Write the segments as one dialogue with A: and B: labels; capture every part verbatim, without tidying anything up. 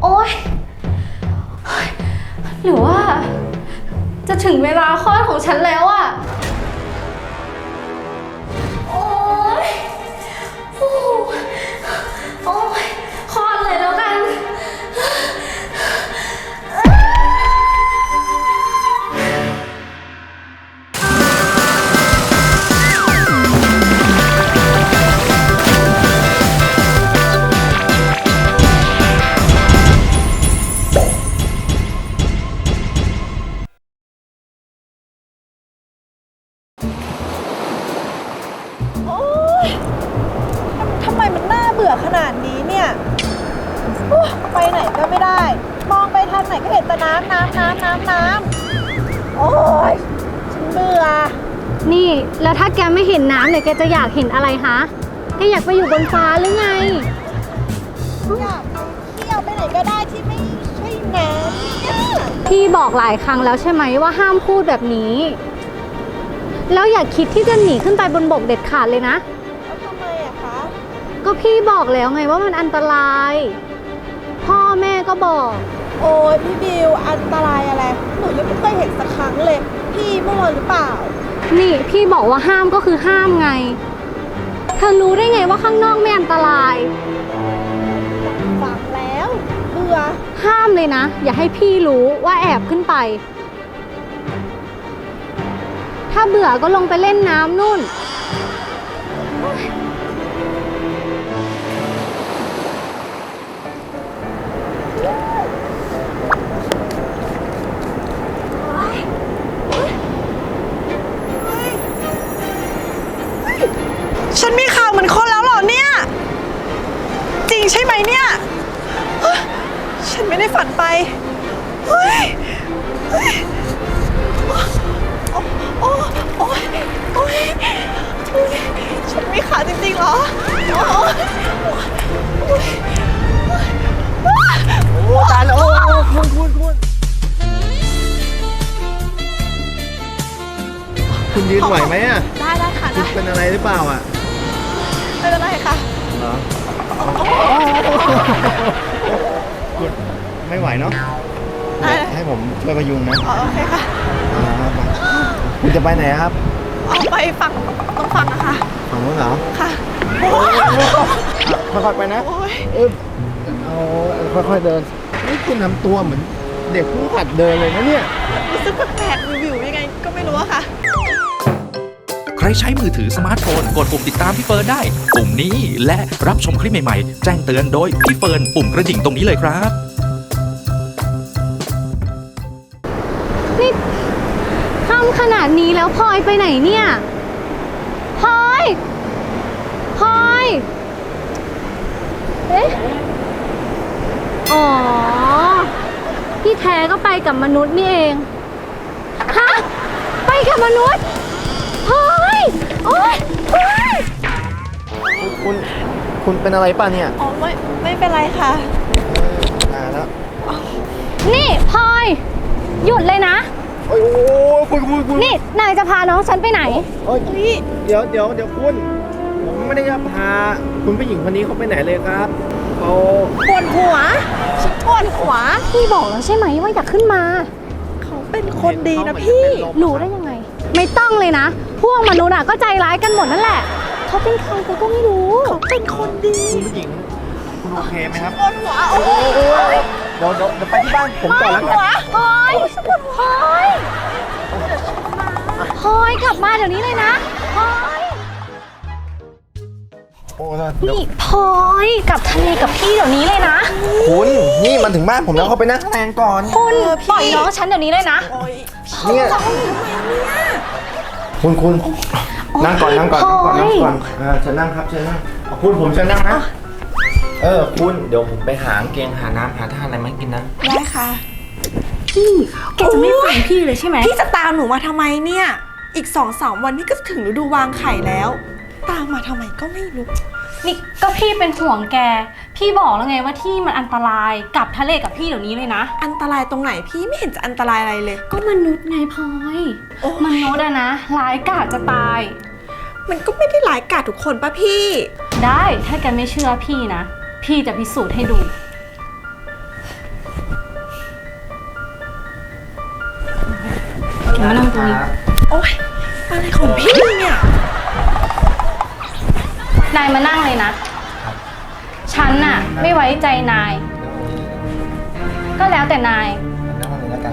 A: โอ๊ยหรือว่าจะถึงเวลาคลอดของฉันแล้วอะโอ๊ยโอ้โอ๊ยคลอดเลยแล้วกัน
B: ทำไมมันน่าเบื่อขนาดนี้เนี่ยไปไหนก็ไม่ได้ มองไปทางไหนก็เห็นแต่น้ำน้ำน้ำน้ำน้ำโอ๊ยฉันเบื่อ
A: นี่แล้วถ้าแกไม่เห็นน้ำเนี่ยแกจะอยากเห็นอะไรคะแกอยากไปอยู่บนฟ้าหรือไง
B: อยากไปเที่ยวไปไหนก็ได้ที่ไม่ใช่น้ำเนี่ย
A: พี่บอกหลายครั้งแล้วใช่ไหมว่าห้ามพูดแบบนี้แล้วอย่าคิดที่จะหนีขึ้นไปบนบกเด็ดขาดเลยนะ
B: แล้วทำไมอะคะ
A: ก็พี่บอกแล้วไงว่ามันอันตรายพ่อแม่ก็บอก
B: โอ้ยพี่บิวอันตรายอะไรหนูยังไม่เคยเห็นสักครั้งเลยพี่มั่วหรือเปล่า
A: นี่พี่บอกว่าห้ามก็คือห้ามไงเธอรู้ได้ไงว่าข้างนอกไม่อันตราย
B: ฟังแล้วเบื่อ
A: ห้ามเลยนะอย่าให้พี่รู้ว่าแอบขึ้นไปถ้าเบื่อก็ลงไปเล่นน้ำนู่น
B: ฉันมีข่าวเหมือนคนแล้วเหรอเนี่ยจริงใช่ไหมเนี่ยฉันไม่ได้ฝันไปเฮ้ยเฮ้ยโอ้โอ้ยโอ้ยฉันมีขาจริงๆเหรอโอ้ยโอ้ตายแล้วโอ้คุณคุณคุณ
C: คุณยืนไหวไหมอ่ะ
B: ได้ได้ค่ะ
C: คุณเป็นอะไรหรือเปล่าอ่ะ
B: ไม่เป็นไรค่ะ
C: เหรอคุณไม่ไหวเนาะให้ผมช่วยพยุงนะ
B: โอเคค่ะ
C: คุณจะไปไหนครับ
B: เอาไปฝั่งต้องฝั่งอะค่ะ
C: ฝั่งนู้นเหรอ
B: ค่ะ
C: ค่อยๆไปนะเออเอาค่อยๆเดินนี่คุณทำตัวเหมือนเด็กผู้หัดเดินเลยนะเนี่ย
B: รู้สึกแปลกๆวิวๆยังไงก็ไม่รู้อะค่ะ
D: ใครใช้มือถือสมาร์ทโฟนกดปุ่มติดตามพี่เฟิร์นได้ปุ่มนี้และรับชมคลิปใหม่ๆแจ้งเตือนโดยพี่เฟิร์นปุ่มกระดิ่งตรงนี้เลยครับ
A: นี่ค่ำขนาดนี้แล้วพลอยไปไหนเนี่ยพลอยพลอยเอ๊ะอ๋อที่แท้ก็ไปกับมนุษย์นี่เองฮะไปกับมนุษย์เฮ้ยโอ๊ยเฮ้ย
C: คุณคุณเป็นอะไรป่ะเนี่ย
B: อ๋อไม่ไม่เป็นไรค่ะ
C: อ่าแล้ว
A: นี่พลอยหยุดเลยนะ
C: โอ้ยคุณคุณคุณ
A: นี่นายจะพาน้องฉันไปไหน
C: เฮ้ยเดี๋ยวเดี๋ยวเดี๋ยวคุณผมไม่ได้จะพาคุณผู้หญิงคนนี้เขาไปไหนเลยครับเขา
B: ปวดหัวฉันปวดหัว
A: พี่บอกแล้วใช่ไหมว่าอยากขึ้นมา
B: เขาเป็นคนดีนะพี่
A: รู้ได้ยังไงไม่ต้องเลยนะพวกมนุษย์อ่ะก็ใจร้ายกันหมดนั่นแหละเขาเป็นใครก็ไม่รู้
B: เขาเป็นคนดี
C: คุณผู้หญิงคุณโอเคไหมครับ
B: ปวดหัวโอ้
C: ยเดี๋ยวเดี๋ยวไปที่บ้านผมก่อนแล้วกัน
A: พลอยปวดหัวพลอยพลอยกลับมาเดี๋ยวนี้เลยนะพลอยนี่พลอยกลับทะเลกับพี่เดี๋ยวนี้เลยนะ
C: คุณนี่มันถึงบ้านผมแล้วเขาไปนั่งแรงก่อน
A: คุณปล่อยน้องฉันเดี๋ยวนี้เลยนะ
C: เนี่ยคุณคุณนั่งก่อนนั่งก่อนนั่งก่อนนั่งก่อนเออเชิญนั่งครับเชิญนั่งคุณผมเชิญนั่งนะเออคุณเดี๋ยวผมไปหาเกงหาน้ำหาท่าอะไรมากินนะ
B: ได้ค่ะ
A: พี่แกจะไม่ฟังพี่เลยใช่ไหม
B: พี่จะตามหนูมาทำไมเนี่ยอีกสองสามวันนี่ก็ถึงฤดูวางไข่แล้วตามมาทำไมก็ไม่รู้
A: นี่ก็พี่เป็นห่วงแกพี่บอกแล้วไงว่าที่มันอันตรายกลับทะเลกับพี่เดี๋ยวนี้เลยนะ
B: อันตรายตรงไหนพี่ไม่เห็นจะอันตรายอะไรเลย
A: ก็มนุษย์ไงพลอยมนุษย์อะนะร้ายกาจจะตาย
B: มันก็ไม่ได้ร้ายกาจทุกคนป่ะพี่
A: ได้ถ้าแกไม่เชื่อพี่นะพี่จะพิสูจน์ให้ดูมานั่งตรงนี้
B: โอ๊ย อะไรของพี่เนี่ย
A: นายมานั่งเลยนะ ฉันน่ะไม่ไว้ใจนาย ก็แล้วแต่นาย
C: นั่งตรงนี้แล้วกัน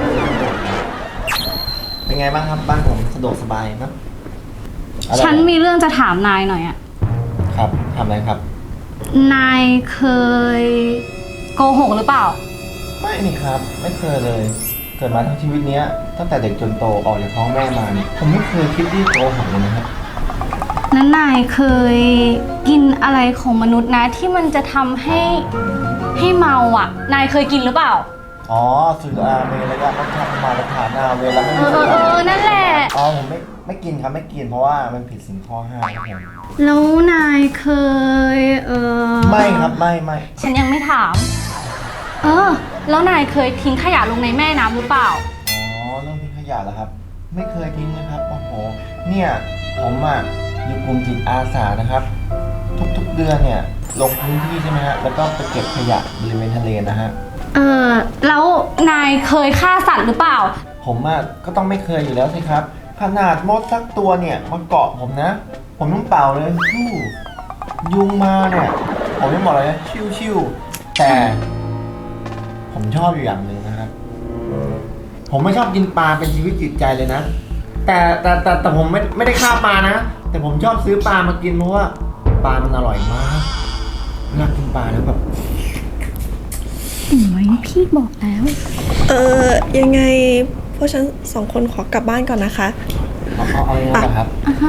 C: เป็นไงบ้างครับบ้านผมสะดวกสบายมั้ยอะไร
A: ฉันมีเรื่องจะถามนายหน่อยอะ
C: ครับทำอะไรครับ
A: นายเคยโกหกหรือเปล่า
C: ไม่นี่ครับ ไม่เคยเลย เกิดมาทั้งชีวิตเนี้ยตั้งแต่เด็กจนโตออกจากท้องแม่มาเนี่ยผมไม่เคยคิดที่โกหกเลยนะครับ
A: นั้นนายเคยกินอะไรของมนุษย์นะที่มันจะทำให้ให้เมาอ่ะ นายเคยกินหรือเปล่า
C: อ๋อสุราเมรัยมัชฌะมารัฐานาเวลาไม่
A: เอ
C: มี
A: อเอ
C: สุ
A: อเอ
C: รา
A: อนั่นแหละ
C: อ๋อผมไม่ไม่กินครับไม่กินเพราะว่ามันผิดศีลข้อห้าครับผม
A: แล้วนายเคยเออ
C: ไม่ครับไม่ไม่
A: ฉันยังไม่ถาม เออ แล้วนายเคยทิ้งขยะลงในแม่น้ำหรือเปล่า
C: อ๋อเรื่องทิ้งขยะเหรอครับ ไม่เคยทิ้งนะครับโอ้โหเนี่ยผมอ่ะอยู่กลุ่มจิตอาสานะครับ ทุกๆเดือนเนี่ยลงพื้นที่ใช่ไหมฮะแล้วก็ไปเก็บขยะบริเวณทะเลนะฮะ
A: เออแล้วนายเคยฆ่าสัตว์หรือเปล่า
C: ผมอ่ะก็ต้องไม่เคยอยู่แล้วสิครับขนาดมดสักตัวเนี่ยมาเกาะผมนะ ผมต้องเป่าเลยชู่ยุงมาเนี่ยผมยังบอกเลยนะชิวๆแต่ผมชอบอยู่อย่างหนึ่งนะครับ ผมไม่ชอบกินปลาเป็นชีวิตจิตใจเลยนะ แต่แต่แต่แต่ผมไม่ไม่ได้ฆ่าปลานะ แต่ผมชอบซื้อปลามากินเพราะว่าปลามันอร่อยมากเวลากินปลาแล้วแบบ
A: โอ้ยพี่บอกแล้ว
B: เออยังไงพวกฉันสองคนขอกลับบ้านก่อนนะคะ
C: เอาเอาเอาอย่างนั้นเหรอครับ
A: อ่ะฮะ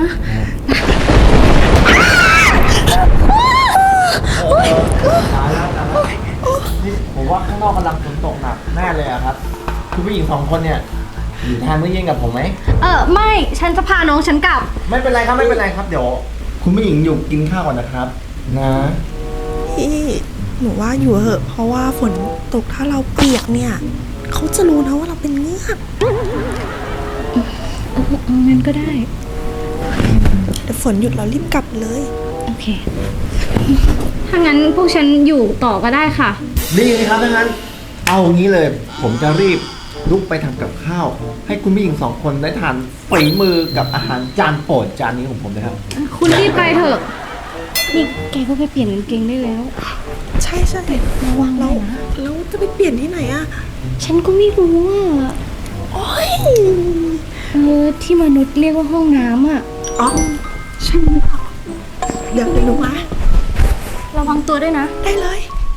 C: โอ้ยตายแล้วตายแล้วนี่ผมว่าข้างนอกกำลังฝนตกหนักแน่เลยอะครับคุณผู้หญิงสองคนเนี่ยอยู่ทานมื้อเย็นกับผมไหม
A: เออไม่ ฉันจะพาน้องฉันกลับ
C: ไม่เป็นไรครับไม่เป็นไรครับเดี๋ยวคุณผู้หญิงอยู่กินข้าวก่อนนะครับ นะ
B: พี่หนูว่าอยู่เหอะ เพราะว่าฝนตกถ้าเราเปียกเนี่ย เขาจะรู้นะว่าเราเป็นเงือก
A: งั้นก็ได้
B: เดี๋ยวฝนหยุดเรารีบกลับเลย
A: โอเค ถ้างั้นพวกฉันอยู่ต่อก็ได้ค่ะ
C: ดีเลยครับถ้างั้นเอาอย่างนี้เลย ผมจะรีบลุกไปทำกับข้าว ให้คุณผู้หญิงสองคนได้ทานฝีมือกับอาหารจานโปรดจานนี้ของผมนะครับ
A: คุณรีบไปเถอะ นี่แกก็ไปเปลี่ยนกางเกงได้แล้ว
B: ใช่ใช่
A: ระวังหน่
B: แล้
A: อ
B: วย
A: นะ
B: แล้วจะไปเปลี่ยนที่ไหนอะ
A: ฉันก็ไม่รู้อ่ะ
B: โอ๊ย
A: เออที่มนุษย์เรียกว่าห้องน้ำอ่ะ
B: อ๋อใช่หรือเปล่าเดี๋ยวเดี๋ยวหนูมา
A: ระวังตัวด้วยนะ
B: ได้เลย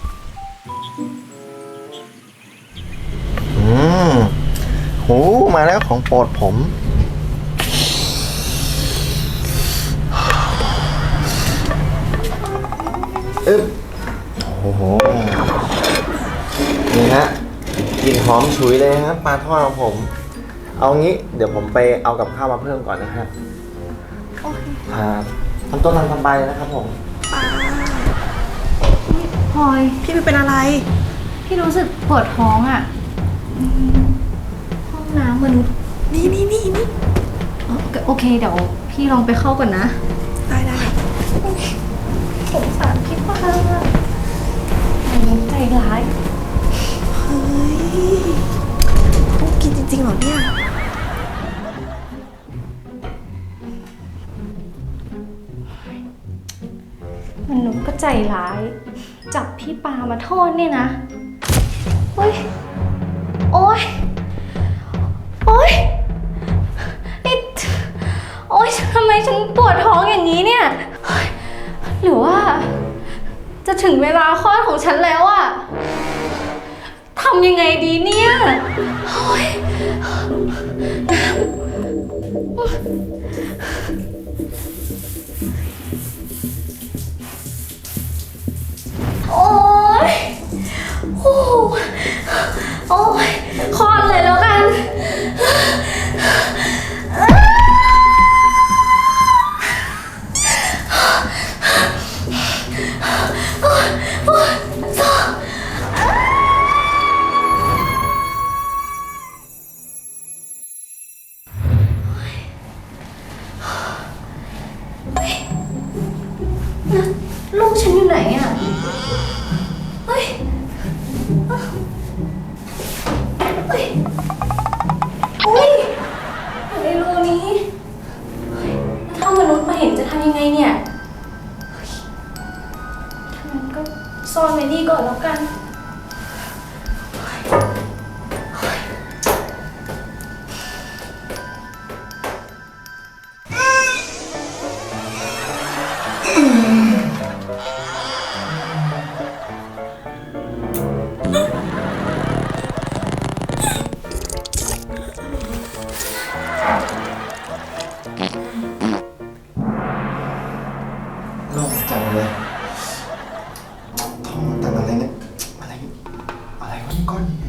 C: อืมโหมาแล้วของโปรดผมอึ๊บโอ้โหนี่ฮะกลิ่นหอมฉุยเลยครับปลาทอดของผม เอางี้เดี๋ยวผมไปเอากับข้าวมาเพิ่มก่อนนะฮะ
B: โอเค
C: ครับทำตัวทำสบายเลยนะครับผม
B: ป้า
A: พลอย
B: พี่ไม่เป็นอะไร
A: พี่รู้สึกปวดท้องอ่ะอืมห้องน้ำมนุษย์
B: นี่นี่นี่นี่
A: อ๋อโอเค เดี๋ยวพี่ลองไปเข้าก่อนนะ
B: ได้ได้
A: สงสารพี่ป้าใจร้าย
B: เฮ้ยต้องกินจริงๆเหรอเนี่ย
A: มนุษย์ก็ใจร้าย จับพี่ปามาโทษเนี่ยนะเฮ้ย โอ๊ย โอ๊ยนี่โอ๊ยทำไมฉันปวดท้องอย่างนี้เนี่ยเฮ้ยหรือว่า จะถึงเวลาคลอดของฉันแล้วอะทำยังไงดีเนี่ยโอ๊ยโอ๊ยโอ้โหโอ๊ยคลอดเลยแล้วกัน โซ่อนไว้นี่ก่อนแล้วกัน
C: โล่งจังเลยท้องตันอะไรเนี่ยอะไรอะไรวะนี่ก้อนใหญ่